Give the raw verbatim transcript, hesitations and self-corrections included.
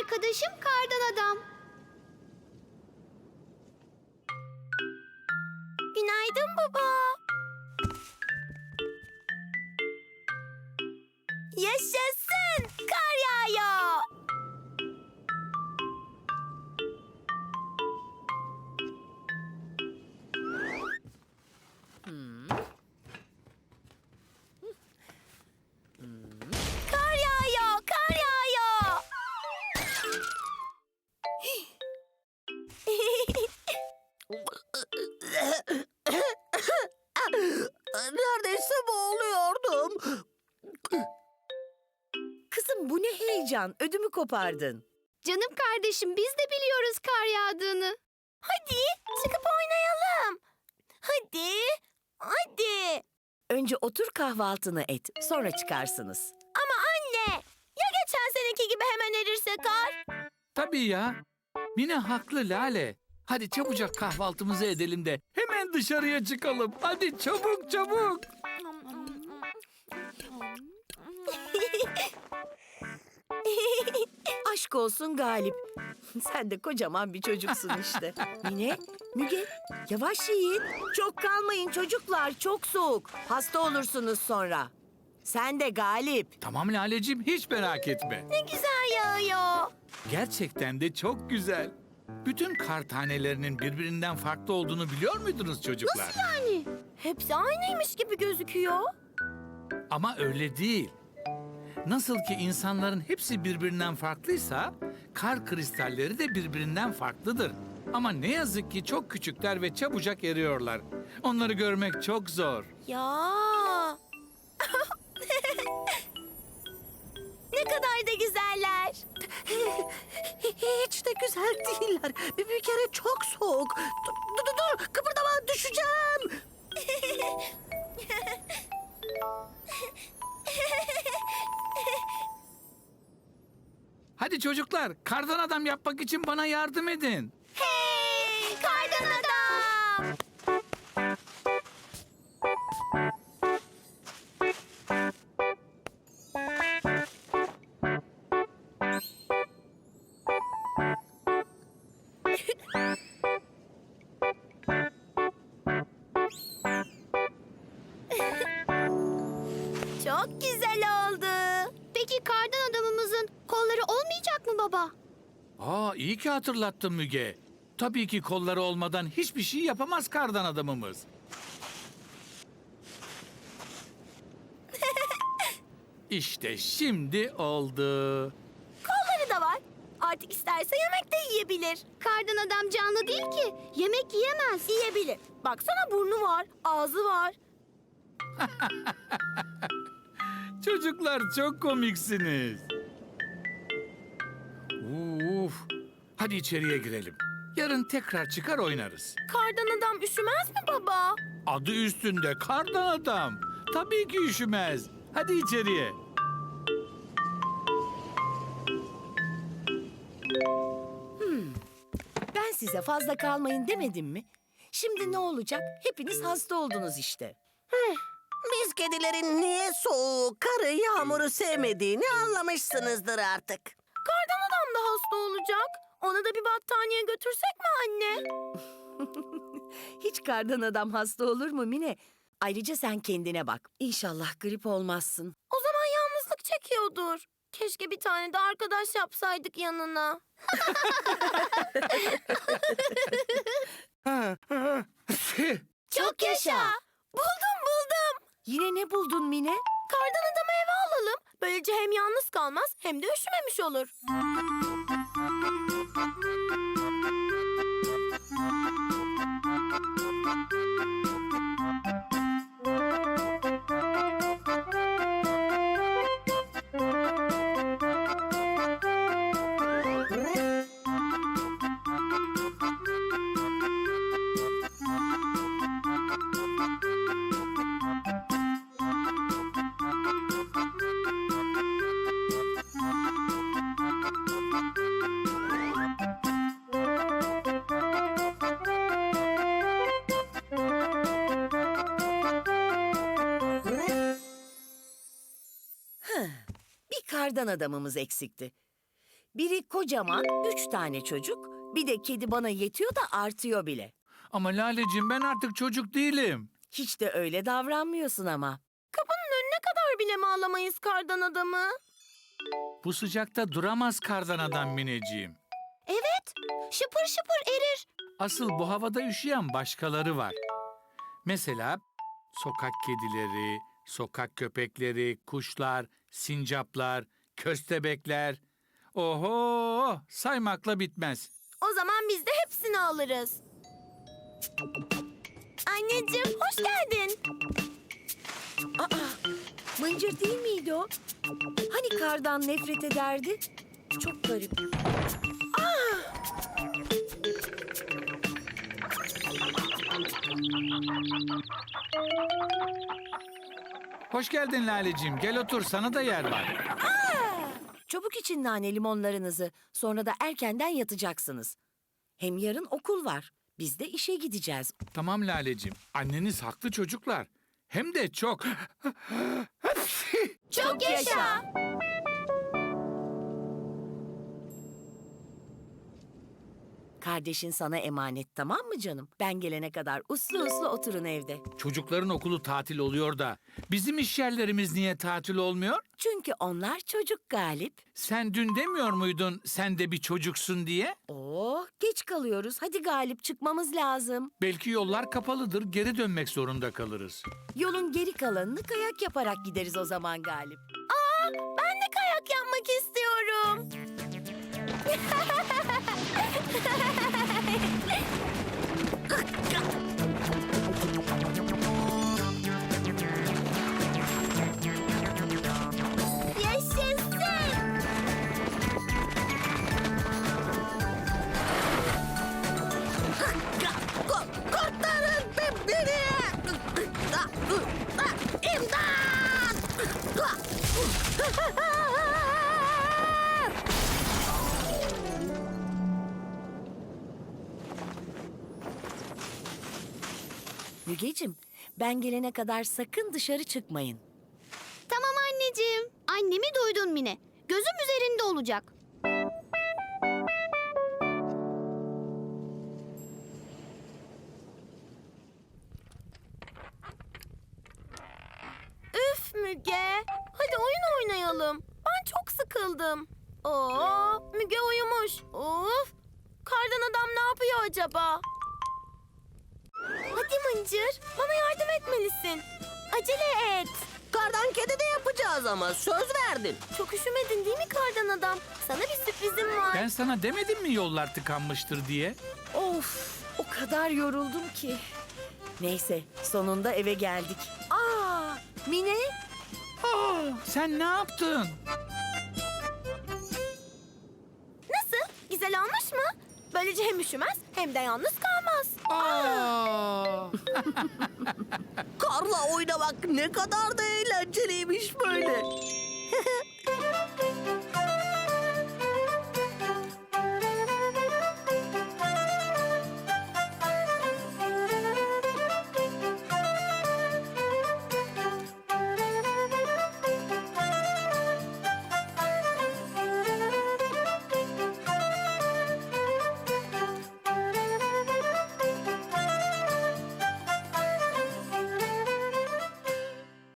arkadaşım Kardan Adam. Günaydın baba. Yaşasın! Kar yağıyor. Kar yağıyor, kar yağıyor. Neredeyse boğuluyordum. Kızım bu ne heyecan? Ödümü kopardın. Canım kardeşim, biz de biliyoruz kar yağdığını. Hadi çıkıp oynayalım. Hadi, hadi. Önce otur kahvaltını et. Sonra çıkarsınız. Ama anne, ya geçen seneki gibi hemen erirse kar? Tabii ya. Mine haklı Lale. Hadi çabucak kahvaltımızı edelim de hemen dışarıya çıkalım. Hadi çabuk çabuk. Aşk olsun Galip. Sen de kocaman bir çocuksun işte. Mine, Müge, yavaş yiyin. Çok kalmayın çocuklar, çok soğuk. Hasta olursunuz sonra. Sen de Galip. Tamam Laleciğim, hiç merak etme. Ne güzel yağıyor. Gerçekten de çok güzel. Bütün kar tanelerinin birbirinden farklı olduğunu biliyor muydunuz çocuklar? Yani hepsi aynıymış gibi gözüküyor. Ama öyle değil. Nasıl ki insanların hepsi birbirinden farklıysa, kar kristalleri de birbirinden farklıdır. Ama ne yazık ki çok küçükler ve çabucak eriyorlar. Onları görmek çok zor. Ya. Ne kadar da güzeller. Hiç de güzel değiller. Bir, bir kere çok soğuk. Dur, dur, dur, dur. Kıpırdama, düşeceğim. Hadi çocuklar, kardan adam yapmak için bana yardım edin. Hey, kardan adam. Çok güzel oldu. Peki kardan adamımızın kolları olmayacak mı baba? Aa, iyi ki hatırlattın Müge. Tabii ki kolları olmadan hiçbir şey yapamaz kardan adamımız. İşte şimdi oldu. Kolları da var. Artık isterse yemek de yiyebilir. Kardan adam canlı değil ki. Yemek yiyemez. Yiyebilir. Baksana burnu var, ağzı var. Çocuklar çok komiksiniz. Uf. Hadi içeriye girelim. Yarın tekrar çıkar oynarız. Kardan adam üşümez mi baba? Adı üstünde kardan adam. Tabii ki üşümez. Hadi içeriye. Ben size fazla kalmayın demedim mi? Şimdi ne olacak? Hepiniz hasta oldunuz işte. Biz kedilerin niye soğuğu, karı, yağmuru sevmediğini anlamışsınızdır artık. Kardan adam da hasta olacak. Ona da bir battaniye götürsek mi anne? Hiç kardan adam hasta olur mu Mine? Ayrıca sen kendine bak. İnşallah grip olmazsın. O zaman yalnızlık çekiyordur. Keşke bir tane de arkadaş yapsaydık yanına. Çok yaşa. Buldum buldum. Yine ne buldun Mine? Kardan adamı eve alalım. Böylece hem yalnız kalmaz hem de üşümemiş olur. Bir kardan adamımız eksikti. Biri kocaman, üç tane çocuk. Bir de kedi bana yetiyor da artıyor bile. Ama Laleciğim ben artık çocuk değilim. Hiç de öyle davranmıyorsun ama. Kapının önüne kadar bile mi alamayız kardan adamı? Bu sıcakta duramaz kardan adam Mineciğim. Evet, şıpır şıpır erir. Asıl bu havada üşüyen başkaları var. Mesela sokak kedileri, sokak köpekleri, kuşlar, sincaplar, köstebekler. Oho, saymakla bitmez. O zaman biz de hepsini alırız. Anneciğim hoş geldin. Aa, Mıncır değil miydi o? Hani kardan nefret ederdi? Çok garip. Hoş geldin Laleciğim. Gel otur, sana da yer var. Çabuk için nane limonlarınızı. Sonra da erkenden yatacaksınız. Hem yarın okul var. Biz de işe gideceğiz. Tamam Laleciğim. Anneniz haklı çocuklar. Hem de çok. Çok yaşa. Kardeşin sana emanet, tamam mı canım? Ben gelene kadar uslu uslu oturun evde. Çocukların okulu tatil oluyor da bizim iş yerlerimiz niye tatil olmuyor? Çünkü onlar çocuk Galip. Sen dün demiyor muydun sen de bir çocuksun diye? Oo, geç kalıyoruz. Hadi Galip, çıkmamız lazım. Belki yollar kapalıdır, geri dönmek zorunda kalırız. Yolun geri kalanını kayak yaparak gideriz o zaman Galip. Aa, ben de kayak yapmak istiyorum. Yaşasın. Ko- Kurtarın be- beni! İmdat! Mügeciğim, ben gelene kadar sakın dışarı çıkmayın. Tamam anneciğim. Annemi duydun Mine. Gözüm üzerinde olacak. Üf Müge. Hadi oyun oynayalım. Ben çok sıkıldım. Oo, Müge uyumuş. Of. Kardan adam ne yapıyor acaba? Hadi Mıncır, bana yardım etmelisin. Acele et. Kardan kedi de yapacağız ama söz verdin. Çok üşümedin değil mi kardan adam? Sana bir sürprizim var. Ben sana demedim mi yollar tıkanmıştır diye? Of, o kadar yoruldum ki. Neyse, sonunda eve geldik. Aa, Mine, Aa, sen ne yaptın? Nasıl? Güzel olmuş mu? Böylece hem üşümez hem de yalnız kalmaz. Aa! Karla oynamak ne kadar da eğlenceliymiş böyle.